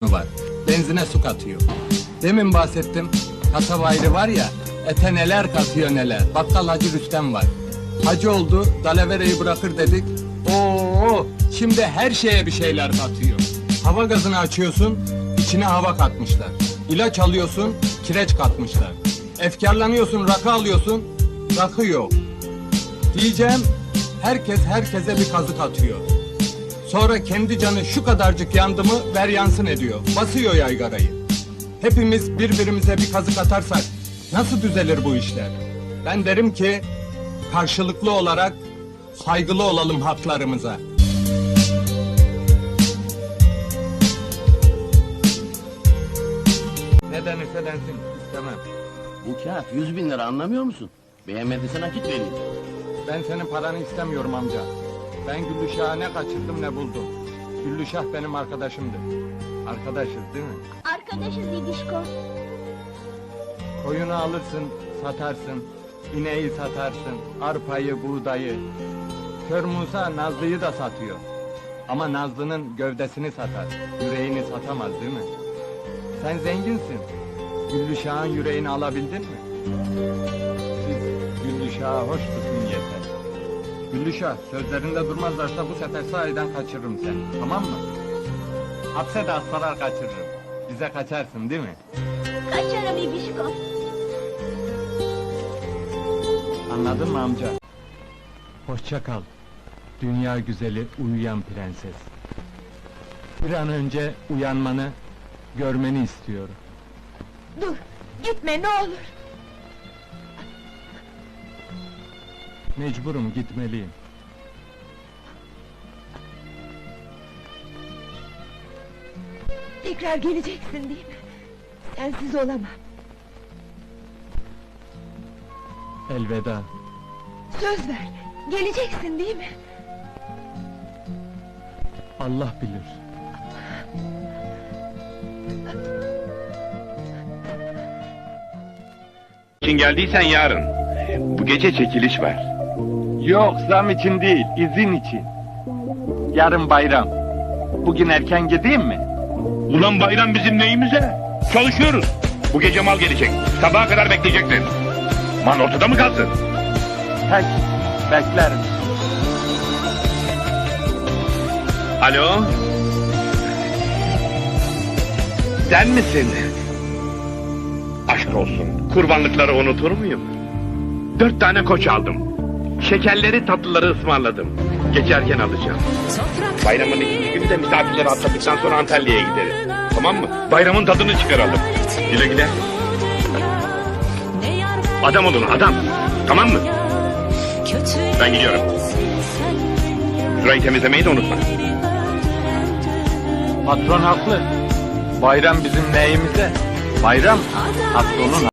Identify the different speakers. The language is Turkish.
Speaker 1: var. Benzine su katıyor. Demin bahsettim. Kasaba ayrı var ya, ete neler katıyor neler. Bakkal Hacı Rüstem var. Hacı oldu, dalavereyi bırakır dedik. Oo, şimdi her şeye bir şeyler katıyor. Hava gazını açıyorsun, içine hava katmışlar. İlaç alıyorsun, kireç katmışlar. Efkarlanıyorsun, rakı alıyorsun, rakı yok. Diyeceğim, herkes herkese bir kazık atıyor. Sonra kendi canı şu kadarcık yandı mı ver yansın ediyor. Basıyor yaygarayı. Hepimiz birbirimize bir kazık atarsak nasıl düzelir bu işler? Ben derim ki karşılıklı olarak saygılı olalım haklarımıza. Ne denirse densin istemem.
Speaker 2: Bu kağıt 100.000 lira, anlamıyor musun? Beğenmediysen nakit vereyim.
Speaker 1: Ben senin paranı istemiyorum amca. Ben Güllüşah'ı ne kaçırdım ne buldum. Güllüşah benim arkadaşımdı. Arkadaşız değil mi?
Speaker 3: Arkadaşız İdişko.
Speaker 1: Koyunu alırsın, satarsın. İneği satarsın, arpayı, buğdayı. Kör Musa Nazlı'yı da satıyor. Ama Nazlı'nın gövdesini satar, yüreğini satamaz değil mi? Sen zenginsin. Güllüşah'ın yüreğini alabildin mi? Siz Güllüşah'a hoş tutun yeter. Güllüşah, sözlerinde durmazlarsa bu sefer sahiden kaçırırım seni, tamam mı? Hapse de asfalar kaçırırım. Bize kaçarsın değil mi?
Speaker 3: Kaçarım İdişko.
Speaker 1: Anladın mı amca? Hoşça kal. Dünya güzeli uyuyan prenses. Bir an önce uyanmanı, görmeni istiyorum.
Speaker 3: Dur, gitme ne olur.
Speaker 1: Mecburum, gitmeliyim.
Speaker 3: Tekrar geleceksin değil mi? Sensiz olamam.
Speaker 1: Elveda.
Speaker 3: Söz ver, geleceksin değil mi?
Speaker 1: Allah bilir.
Speaker 4: için geldiysen yarın. Bu gece çekiliş var.
Speaker 1: Yok, zam için değil, izin için. Yarın bayram. Bugün erken gideyim mi?
Speaker 4: Ulan bayram bizim neyimize? Çalışıyoruz. Bu gece mal gelecek. Sabaha kadar bekleyeceksin. Mal ortada mı kalsın?
Speaker 1: Peki, beklerim.
Speaker 4: Alo? Sen misin? Aşk olsun. Kurbanlıkları unutur muyum? 4 tane koç aldım. Şekerleri tatlıları ısmarladım. Geçerken alacağım. Bayramın ikinci günü de misafirleri atladıktan sonra Antalya'ya gideriz. Tamam mı? Bayramın tadını çıkaralım. Güle güle. Adam olun adam. Tamam mı? Ben gidiyorum. Şurayı temizlemeyi de unutma.
Speaker 1: Patron haklı. Bayram bizim neyimize? Bayram patronun